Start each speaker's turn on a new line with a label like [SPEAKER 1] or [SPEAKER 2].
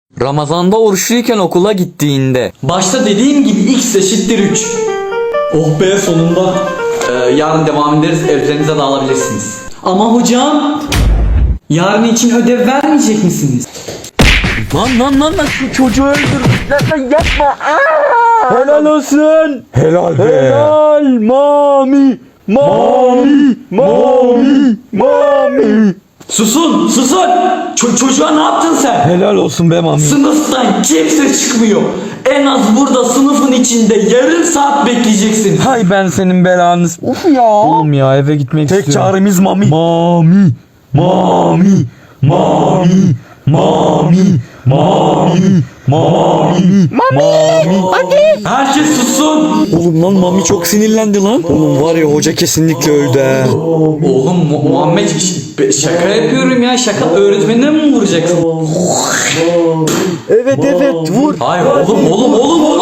[SPEAKER 1] Ramazanda oruçluyken okula gittiğinde.
[SPEAKER 2] Başta dediğim gibi x eşittir 3. Oh be sonunda.
[SPEAKER 1] Yarın devam ederiz. Evlerinize dağılabilirsiniz.
[SPEAKER 2] Ama hocam yarın için ödev vermeyecek misiniz?
[SPEAKER 1] Lan şu çocuğu öldür. Lan yapma.
[SPEAKER 3] Helal olsun. Helal be. Helal mami. Mami. Mami. Mami.
[SPEAKER 2] Susun. Çocuğa ne yaptın sen?
[SPEAKER 3] Helal olsun be mami.
[SPEAKER 2] Sınıftan kimse çıkmıyor. En az burada sınıfın içinde yarım saat bekleyeceksiniz.
[SPEAKER 3] Hay ben senin belanı. Of ya. Oğlum ya eve gitmek istiyorum. Tek çaremiz mami. Mami. Mami. Mami. Mami. Mami. Mami. Mami. Hadi.
[SPEAKER 2] Herkes sussun.
[SPEAKER 3] Oğlum lan mami çok sinirlendi lan. Oğlum var ya hoca kesinlikle öldü he.
[SPEAKER 2] Oğlum Muhammed şaka yapıyorum ya. Şaka öğretmenine mi vuracaksın?
[SPEAKER 3] Evet vur.
[SPEAKER 2] Hayır oğlum.